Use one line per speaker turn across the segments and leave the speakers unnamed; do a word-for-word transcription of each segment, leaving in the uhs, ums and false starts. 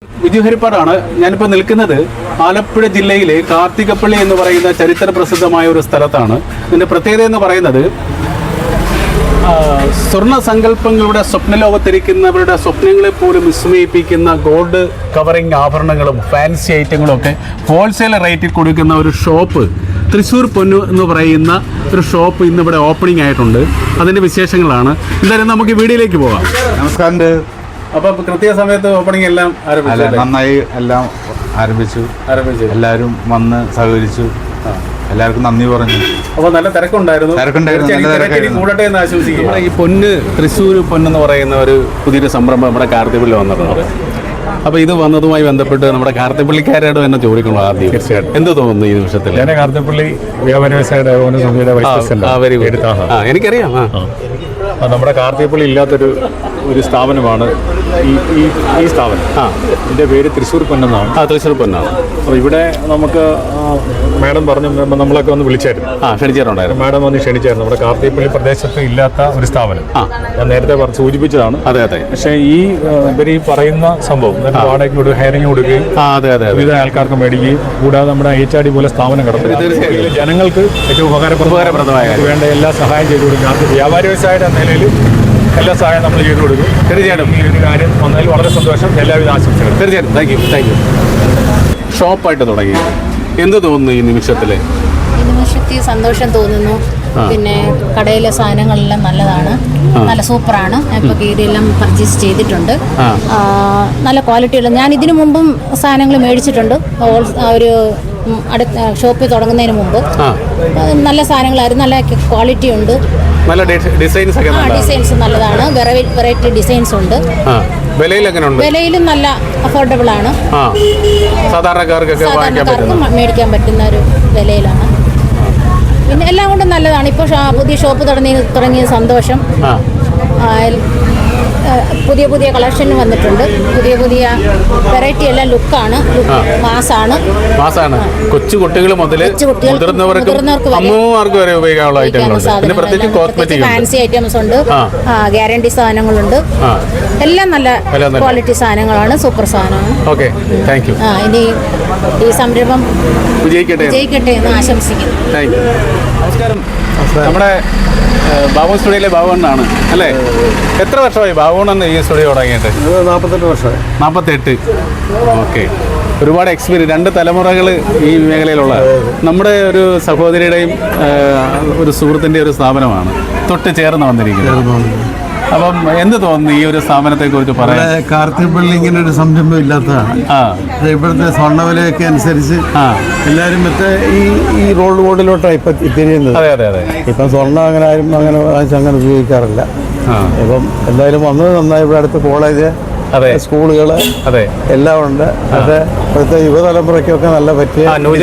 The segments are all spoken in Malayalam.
വിജു ഹരിപ്പാടാണ്. ഞാനിപ്പോൾ നിൽക്കുന്നത് ആലപ്പുഴ ജില്ലയിലെ കാർത്തികപ്പള്ളി എന്ന് പറയുന്ന ചരിത്ര പ്രസിദ്ധമായ ഒരു സ്ഥലത്താണ്. ഇതിൻ്റെ പ്രത്യേകത എന്ന് പറയുന്നത് സ്വർണ്ണ സങ്കല്പങ്ങളുടെ സ്വപ്നലോകത്തിരിക്കുന്നവരുടെ സ്വപ്നങ്ങളെ പോലും വിസ്മയിപ്പിക്കുന്ന ഗോൾഡ് കവറിങ് ആഭരണങ്ങളും ഫാൻസി ഐറ്റങ്ങളും ഒക്കെ ഹോൾസെയിൽ റേറ്റിൽ കൊടുക്കുന്ന ഒരു ഷോപ്പ്, തൃശ്ശൂർ പൊന്നു എന്ന് പറയുന്ന ഒരു ഷോപ്പ് ഇന്നിവിടെ ഓപ്പണിംഗ് ആയിട്ടുണ്ട്. അതിൻ്റെ വിശേഷങ്ങളാണ്. എന്തായാലും നമുക്ക് വീഡിയോയിലേക്ക് പോകാം.
നമസ്കാരം.
അപ്പോൾ കൃത്യസമയത്ത് ഓപ്പണിംഗ് എല്ലാം ആരംഭിച്ചു.
നന്നായി എല്ലാം ആരംഭിച്ചു ആരംഭിച്ചു എല്ലാവരും വന്ന് സഹകരിച്ചു. എല്ലാവർക്കും നന്ദി പറഞ്ഞു.
അപ്പോൾ നല്ല തിരക്കുണ്ടായിരുന്നു. കൂടട്ടെ എന്ന് ആശംസിക്കും. നമ്മുടെ ഈ പൊന്ന് തൃശ്ശൂർ പൊന്നെന്ന് പറയുന്ന ഒരു പുതിയൊരു സംരംഭം നമ്മുടെ കാർത്തികപ്പള്ളി വന്നിട്ടുണ്ട്. അപ്പോൾ ഇത് വന്നതുമായി ബന്ധപ്പെട്ട് നമ്മുടെ കാർത്തികപ്പള്ളിക്കാരോട് തന്നെ ചോദിക്കണം ആദ്യം. തീർച്ചയായിട്ടും എന്ത് തോന്നുന്നു ഈ നിമിഷത്തിൽ?
ഞാൻ കാർത്തികപ്പള്ളി വ്യാപാര വ്യവസായ സമിതിയുടെ
എനിക്കറിയാം.
നമ്മുടെ കാർത്തികപ്പള്ളി ഇല്ലാത്തൊരു ഒരു സ്ഥാപനമാണ് ഈ ഈ ഈ സ്ഥാപനം. ആ ഇതിൻ്റെ പേര് തൃശ്ശൂർ പൊന്നെന്നാണ്.
ആ തൃശ്ശൂർ പൊന്നാണ്.
അപ്പോൾ ഇവിടെ നമുക്ക് മാഡം പറഞ്ഞു, നമ്മളൊക്കെ ഒന്ന് വിളിച്ചായിരുന്നു.
ആ ക്ഷണിച്ചിട്ടുണ്ടായിരുന്നു.
മാഡം വന്ന് ക്ഷണിച്ചായിരുന്നു. നമ്മുടെ കാർത്തികപ്പള്ളി പ്രദേശത്ത് ഇല്ലാത്ത ഒരു സ്ഥാപനം. ആ ഞാൻ നേരത്തെ സൂചിപ്പിച്ചതാണ്.
അതെ അതെ.
പക്ഷേ ഈ ഇവർ ഈ പറയുന്ന സംഭവം വാടകയ്ക്ക് കൊടുക്കുക, ഹയറിങ് കൊടുക്കുകയും വിവിധ ആൾക്കാർക്ക് മേടിക്കുകയും കൂടാതെ നമ്മുടെ എച്ച് ആർ ഡി പോലെ സ്ഥാപനം കിടത്തുന്നത് ജനങ്ങൾക്ക് ഏറ്റവും ഉപകാരപ്രദമായ വേണ്ട എല്ലാ സഹായം ചെയ്തു കൊടുക്കും. വ്യാപാര വ്യവസായയുടെ നിലയിൽ എല്ലാ സഹായം നമ്മൾ ചെയ്തു കൊടുക്കും.
തീർച്ചയായിട്ടും
ഈ ഒരു കാര്യം വന്നതിൽ വളരെ സന്തോഷം. എല്ലാവിധ ആശംസകളും.
തീർച്ചയായിട്ടും. Thank you thank you. ഷോപ്പായിട്ട് തുടങ്ങി എന്ത് തോന്നുന്നു ഈ നിമിഷത്തിൽ?
ഈ നിമിഷത്തിൽ സന്തോഷം തോന്നുന്നു. പിന്നെ കടയിലെ സാധനങ്ങളെല്ലാം നല്ലതാണ്, നല്ല സൂപ്പറാണ്. ഞാൻ ഇപ്പോൾ കീരിയെല്ലാം പർച്ചേസ് ചെയ്തിട്ടുണ്ട്. നല്ല ക്വാളിറ്റിയുള്ള, ഞാൻ ഇതിനു മുമ്പും സാധനങ്ങൾ മേടിച്ചിട്ടുണ്ട്. ഒരു അടുത്ത ഷോപ്പിൽ തുടങ്ങുന്നതിന് മുമ്പ് നല്ല സാധനങ്ങളായിരുന്നു. നല്ല ക്വാളിറ്റി ഉണ്ട്.
നല്ല ഡിസൈൻസ് ഒക്കെ
ഡിസൈൻസ് നല്ലതാണ്. വെറൈറ്റി ഡിസൈൻസ് ഉണ്ട്. വിലയിലും നല്ല അഫോർഡബിൾ ആണ്.
സാധാരണക്കാർക്ക്
മേടിക്കാൻ പറ്റുന്ന ഒരു വിലയിലാണ്. പിന്നെ എല്ലാം കൊണ്ടും നല്ലതാണ്. ഇപ്പോൾ പുതിയ ഷോപ്പ് തുടങ്ങി തുടങ്ങിയ സന്തോഷം. പുതിയ പുതിയ കളക്ഷൻ വന്നിട്ടുണ്ട്. പുതിയ പുതിയ വെറൈറ്റി എല്ലാം ലുക്കാണ്, മാസാണ്
മാസാണ് കൊച്ചു കുട്ടികൾ മുതൽ മുതിർന്നവർക്ക് വരെ ഉപയോഗിക്കാനുള്ള ഐറ്റങ്ങളുണ്ട്.
ഫാൻസി ഐറ്റംസ് ഉണ്ട്, ഗ്യാരണ്ടി സാധനങ്ങളുണ്ട്. എല്ലാം നല്ല ക്വാളിറ്റി സാധനങ്ങളാണ്, സൂപ്പർ സാധനമാണ്.
Okay thank you.
ആ ഇനി ഈ സംരംഭം
വിജയിക്കട്ടെ
വിജയിക്കട്ടെ എന്ന് ആശംസിക്കുന്നു.
Thank you. നമസ്കാരം. നമ്മുടെ ബാബു സ്റ്റുഡിയോയിലെ ബാബുണ്ണാണ് അല്ലേ? എത്ര വർഷമായി ബാബുണ്ണൻ ഈ സ്റ്റുഡിയോ തുടങ്ങിയിട്ട്?
നാൽപ്പത്തെട്ട് വർഷമായി.
നാൽപ്പത്തെട്ട്. ഓക്കെ. ഒരുപാട് എക്സ്പീരിയൻസ്, രണ്ട് തലമുറകൾ ഈ മേഖലയിലുള്ള നമ്മുടെ ഒരു സഹോദരിയുടെയും ഒരു സുഹൃത്തിൻ്റെ ഒരു സ്ഥാപനമാണ് തൊട്ട് ചേർന്ന് വന്നിരിക്കുന്നത്. അപ്പം എന്ത് തോന്നുന്നു ഈ ഒരു സ്ഥാപനത്തെ കുറിച്ച് പറയാൻ?
കാർത്തികപ്പള്ളി ഇങ്ങനെ ഒരു സംരംഭം ഇല്ലാത്തതാണ്. ഇപ്പോഴത്തെ സ്വർണ്ണവിലയൊക്കെ അനുസരിച്ച് എല്ലാവരും മറ്റേ ഈ ഈ റോഡ് ബോർഡിലോട്ടാണ് ഇപ്പം തിരിയുന്നത്.
അതെ അതെ അതെ.
ഇപ്പം സ്വർണ്ണം അങ്ങനെ ആരും അങ്ങനെ അങ്ങനെ ഉപയോഗിക്കാറില്ല. ഇപ്പം എന്തായാലും വന്നത് നന്നായി. ഇവിടെ അടുത്ത് കോളേജ്,
അതെ,
സ്കൂളുകൾ,
അതെ,
എല്ലാം ഉണ്ട്. പക്ഷേ ഇപ്പോഴത്തെ യുവതലമുറയ്ക്കൊക്കെ നല്ല പറ്റിയ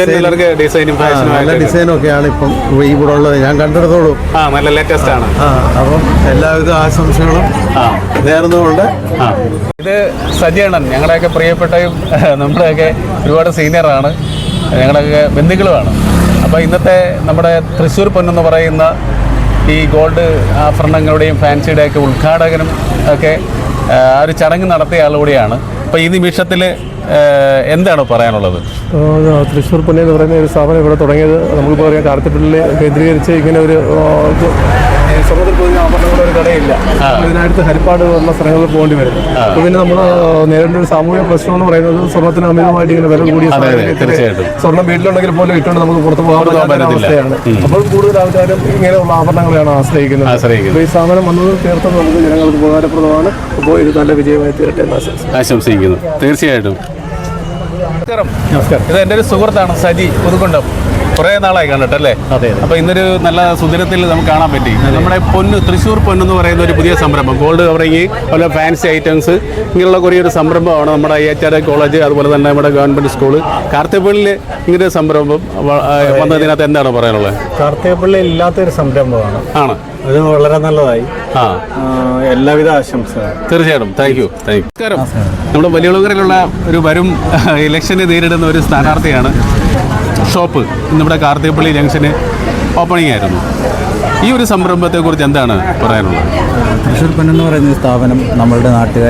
നല്ല ഡിസൈനൊക്കെയാണ് ഇപ്പം ഇവിടെ ഉള്ളത്. ഞാൻ കണ്ടെടുത്തോളൂ.
നല്ല ലേറ്റസ്റ്റ് ആണ്.
അപ്പം എല്ലാവിധ ആശംസകളും നേർന്നുകൊണ്ട്.
ഇത് സജീവണ്ണൻ ഞങ്ങളുടെയൊക്കെ പ്രിയപ്പെട്ടയും നമ്മുടെയൊക്കെ ഒരുപാട് സീനിയറാണ്, ഞങ്ങളുടെയൊക്കെ ബന്ധുക്കളുമാണ്. അപ്പോൾ ഇന്നത്തെ നമ്മുടെ തൃശ്ശൂർ പൊന്നെന്ന് പറയുന്ന ഈ ഗോൾഡ് ആഭരണങ്ങളുടെയും ഫാൻസിയുടെയൊക്കെ ഉദ്ഘാടകനും ഒക്കെ ആ ഒരു ചടങ്ങ് നടത്തിയ ആളുകൂടിയാണ്. അപ്പോൾ ഈ നിമിഷത്തിൽ എന്താണ് പറയാനുള്ളത്?
തൃശ്ശൂർ പൊന്ന് എന്ന് പറയുന്ന ഒരു സ്ഥാപനം ഇവിടെ തുടങ്ങിയത് നമുക്കിപ്പോൾ പറയാം, കാർത്തികപ്പള്ളി കേന്ദ്രീകരിച്ച് ഇങ്ങനെ ഒരു സ്വർണ്ണത്തിൽ പൊതിഞ്ഞ ആഭരണങ്ങളുടെ ഒരു കടയില്ല. ഇതിനടുത്ത് ഹരിപ്പാട് പോലുള്ള സ്ഥലങ്ങളിൽ പോകേണ്ടി വരും. അപ്പോൾ പിന്നെ നമ്മൾ നേരിടുന്ന ഒരു സാമൂഹിക പ്രശ്നം എന്ന് പറയുന്നത് സ്വർണ്ണത്തിന് അമിതമായിട്ട് ഇങ്ങനെ വില കൂടിയ സ്വർണ്ണം വീട്ടിലുണ്ടെങ്കിൽ പോലും ഇട്ടുകൊണ്ട് നമുക്ക് പുറത്ത് പോകാൻ അവസ്ഥയാണ്. അപ്പോൾ കൂടുതൽ ആൾക്കാരും ഇങ്ങനെയുള്ള ആഭരണങ്ങളെയാണ് ആശ്രയിക്കുന്നത്. ഈ സ്ഥാപനം വന്നത് തീർത്തും നമുക്ക് ജനങ്ങൾക്ക് ഉപകാരപ്രദമാണ്. അപ്പോൾ ഇത് നല്ല വിജയമായി തീരട്ടെ എന്ന്
ആശംസിക്കുന്നു. തീർച്ചയായിട്ടും. നമസ്കാരം.
നമസ്കാരം.
ഇത് എൻ്റെ ഒരു സുഹൃത്താണ് സജി പുതുക്കുണ്ടം. കുറേ നാളായി കണ്ടിട്ടല്ലേ?
അതെ.
അപ്പോൾ ഇന്നൊരു നല്ല സുദിനത്തിൽ നമുക്ക് കാണാൻ പറ്റി. നമ്മുടെ പൊന്ന് തൃശ്ശൂർ പൊന്നെന്ന് പറയുന്ന ഒരു പുതിയ സംരംഭം, ഗോൾഡ് കവറിങ്, അതുപോലെ ഫാൻസി ഐറ്റംസ്, ഇങ്ങനെയുള്ള കുറേ ഒരു സംരംഭമാണ് നമ്മുടെ എച്ച് ആർ കോളേജ്, അതുപോലെ തന്നെ നമ്മുടെ ഗവൺമെൻറ് സ്കൂള്, കാർത്തികപ്പള്ളിയിൽ ഇങ്ങനെ ഒരു സംരംഭം വന്നതിനകത്ത് എന്താണ് പറയാനുള്ളത്?
കാർത്തികപ്പള്ളി ഇല്ലാത്തൊരു സംരംഭമാണ്
ആണ്.
അത് വളരെ നല്ലതായി.
ആ
എല്ലാവിധ ആശംസകളും.
തീർച്ചയായിട്ടും. Thank you thank you. നമസ്കാരം. നമ്മുടെ വലിയകുളങ്ങരയിലുള്ള ഒരു വരും ഇലക്ഷനെ നേരിടുന്ന ഒരു സ്ഥാനാർത്ഥിയാണ്. ഷോപ്പ് ഇന്നിവിടെ കാർത്തികപ്പള്ളി ജംഗ്ഷന് ഓപ്പണിംഗ് ആയിരുന്നു. ഈ ഒരു സംരംഭത്തെക്കുറിച്ച് എന്താണ് പറയാനുള്ളത്?
തൃശ്ശൂർ പൊന്നെന്ന് പറയുന്ന സ്ഥാപനം നമ്മളുടെ നാട്ടുകാർ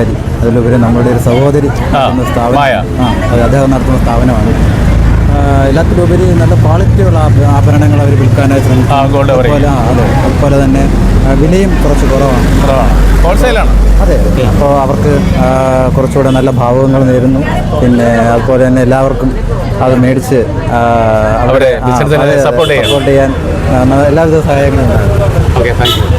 അതിലുപരി നമ്മുടെ ഒരു സഹോദരി നടത്തുന്ന സ്ഥാപനം
മായ.
ആ അത് അദ്ദേഹം നടത്തുന്ന സ്ഥാപനമാണ്. ആ, എല്ലാത്തിലുപരി നല്ല ക്വാളിറ്റിയുള്ള ആഭ- ആഭരണങ്ങൾ അവർ വിൽക്കാനായി ശ്രമിക്കും.
ആ, gold cover
അതുപോലെ ആ, അതെ അതുപോലെ തന്നെ ആ, വിലയും കുറച്ച് കുറവാണ്.
ഹോൾസെയിലാണ്.
അതെ, അപ്പോൾ അവർക്ക് ആ, കുറച്ചുകൂടെ നല്ല ഭാവങ്ങൾ നേരുന്നു. പിന്നെ അതുപോലെ തന്നെ എല്ലാവർക്കും അത് മേടിച്ച് ആ,
അവരെ
ആ,
ബിസിനസ്സിനെ
അതെ, അതെ,
support ചെയ്യാൻ.
support ചെയ്യാൻ ആ, ന- എല്ലാവിധ സഹായങ്ങളും ഉണ്ടാകും.
Okay, thank you.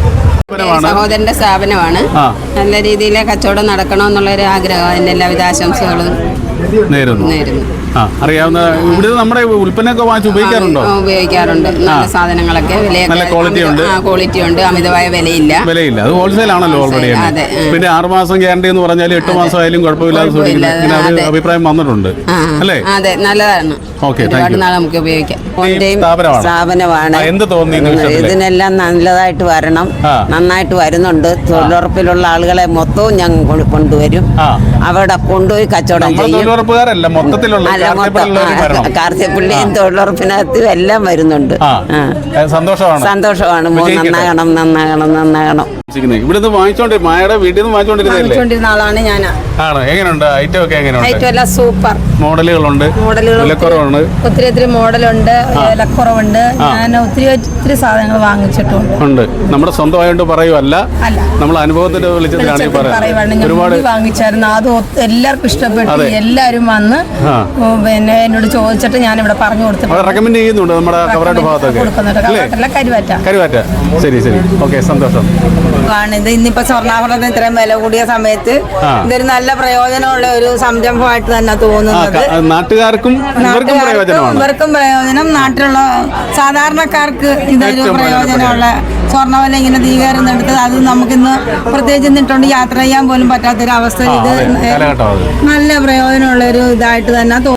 സഹോദരന്റെ സ്ഥാപനമാണ്.
ആ.
നല്ല രീതിയിൽ കച്ചവടം നടക്കണമെന്നുള്ളൊരു ആഗ്രഹം. അതിന് എല്ലാവിധ ആശംസകളും
നേരുന്നു.
നേരുന്നു.
ആ, അറിയാവുന്ന ഇവിടെ നമ്മുടെ ഉൽപ്പന്നമൊക്കെ വാങ്ങിച്ച് ഉപയോഗിക്കാറുണ്ടോ?
ആ, ഉപയോഗിക്കാറുണ്ട്. നല്ല സാധനങ്ങളൊക്കെ വിലയൊക്കെ
നല്ല quality ഉണ്ട്.
ആ, ക്വാളിറ്റി ഉണ്ട്. അമിതമായ വിലയില്ല.
വിലയില്ല. അത് ഹോൾസെയിൽ ആണല്ലോ ഓൾറെഡി.
അതെ, ആ.
പിന്നെ ആറ് മാസം ഗ്യാരണ്ടി എന്ന് പറഞ്ഞാൽ എട്ട് മാസം ആയാലും കുഴപ്പമില്ലാതെ സൂക്ഷിക്കണം.
കുഴപ്പമില്ല.
ഇങ്ങനെ ഒരു
അതെ.
അഭിപ്രായം വന്നിട്ടുണ്ട്
ആ,
അല്ലേ?
അതെ, നല്ലതാണ്.
ഓക്കെ, താങ്ക്
ഒരുപാട്
യു.
നാൾ നമുക്ക് ഉപയോഗിക്കാം.
ഈ സ്ഥാപനമാണ്.
സ്ഥാപനമാണ്.
ആ, എന്ത് തോന്നി ഈ നിമിഷത്തില്?
ഇതിനെല്ലാം നല്ലതായിട്ട് വരണം.
ആ.
നന്നായിട്ട് വരുന്നുണ്ട്. തൊഴിലുറപ്പിലുള്ള ആളുകളെ മൊത്തവും ഞങ്ങൾ കൊ- കൊണ്ടുവരും.
ആ.
അവിടെ കൊണ്ടുപോയി കച്ചവടം
നമ്മൾ
ചെയ്യും.
തൊഴിലുറപ്പുകാരല്ല, മൊത്തത്തിലുള്ള
അല്ല, മൊത്തം
കാർഷികപ്പണിയുള്ളവർ വരണം.
കാർത്തികപ്പള്ളിയും തൊഴിലുറപ്പിനകത്തും എല്ലാം വരുന്നുണ്ട്.
ആ,
ആ.
ഏ, സന്തോഷമാണ്.
സന്തോഷമാണ്. മോ-
വിജയിക്കട്ടെ.
നന്നാകണം നന്നാകണം നന്നാകണം
ഇവിടുന്ന് വാങ്ങിച്ചോണ്ടി മായയുടെ വീട്ടിൽ നിന്ന് വാങ്ങിച്ചോണ്ടിരുന്നല്ലേ?
വാങ്ങിച്ചുകൊണ്ടിരുന്ന ആളാണ് ഞാൻ.
ആണ്. എങ്ങനെയുണ്ട് ഐറ്റം ഒക്കെ? എങ്ങനെയുണ്ട്?
ഐറ്റം എല്ലാം സൂപ്പർ
മോഡലുകളുണ്ട്,
മോഡലുകൾ.
വിലക്കുറവുണ്ട്.
ഒത്തിരി ഒത്തിരി മോഡലുണ്ട്, വിലക്കുറവുണ്ട്. ഞാൻ ഒത്തിരി ഒത്തിരി സാധനങ്ങൾ വാങ്ങിച്ചിട്ടുണ്ട്.
ഉണ്ട്. നമ്മുടെ സ്വന്തമായിട്ട് പറയുമല്ല,
അല്ല.
നമ്മൾ അനുഭവത്തിന്റെ വെളിച്ചത്തിലാണ് ഈ
പറയുവാണ്.
പറയുന്നത്.
ഞാൻ
ഒരുപാട്
മുടി വാങ്ങിച്ചായിരുന്നു. അത് ഒത്ത- എല്ലാവർക്കും ഇഷ്ടപ്പെട്ടു.
അതെ.
എല്ലാവരും വന്ന്
ആ.
ഉം, പിന്നെ എന്നോട് ചോദിച്ചിട്ട് ഞാൻ ഇവിടെ പറഞ്ഞു
അവിടെ
കൊടുത്തിട്ടുണ്ട്.
റെക്കമെൻഡ് ചെയ്യുന്നുണ്ട് നമ്മുടെ കവറാട്ട് ഭാഗത്തൊക്കെ
കൊടുക്കുന്നുണ്ട്.
അല്ലേ?
കവാട്ടല്ല, കരുവാറ്റ.
കരുവാറ്റ. ശരി ശരി, ഓക്കെ, സന്തോഷം.
ആണ് ഇത്. ഇന്നിപ്പോ സ്വർണ്ണാഭരണത്തിന് ഇത്രയും വില കൂടിയ സമയത്ത്
ആ.
ഇതൊരു നല്ല പ്രയോജനമുള്ള ഒരു സംരംഭമായിട്ട് തന്നെ
ആ,
തോന്നുന്നത്.
ക- നാട്ടുകാർക്കും ഇവർക്കും
നാട്ടുകാർക്കും
പ്രയോജനമാണ്.
ഇവർക്കും പ്രയോജനം, നാട്ടിലുള്ള സാധാരണക്കാർക്ക് ഇതൊരു
ഏറ്റവും
പ്രയോജനമുള്ള സ്വർണ്ണവില ഇങ്ങനെ തീകരുന്നെടുത്ത് അത് നമുക്കിന്ന് പ്രത്യേകിച്ച് നിന്നിട്ടുണ്ട് യാത്ര ചെയ്യാൻ പോലും പറ്റാത്തൊരവസ്ഥയിൽ
ആ,
ഇത്
അതെ, കാലഘട്ടം അത്.
നല്ല പ്രയോജനമുള്ള ഒരു ഇതായിട്ട് തന്നെ തോന്നുന്നു.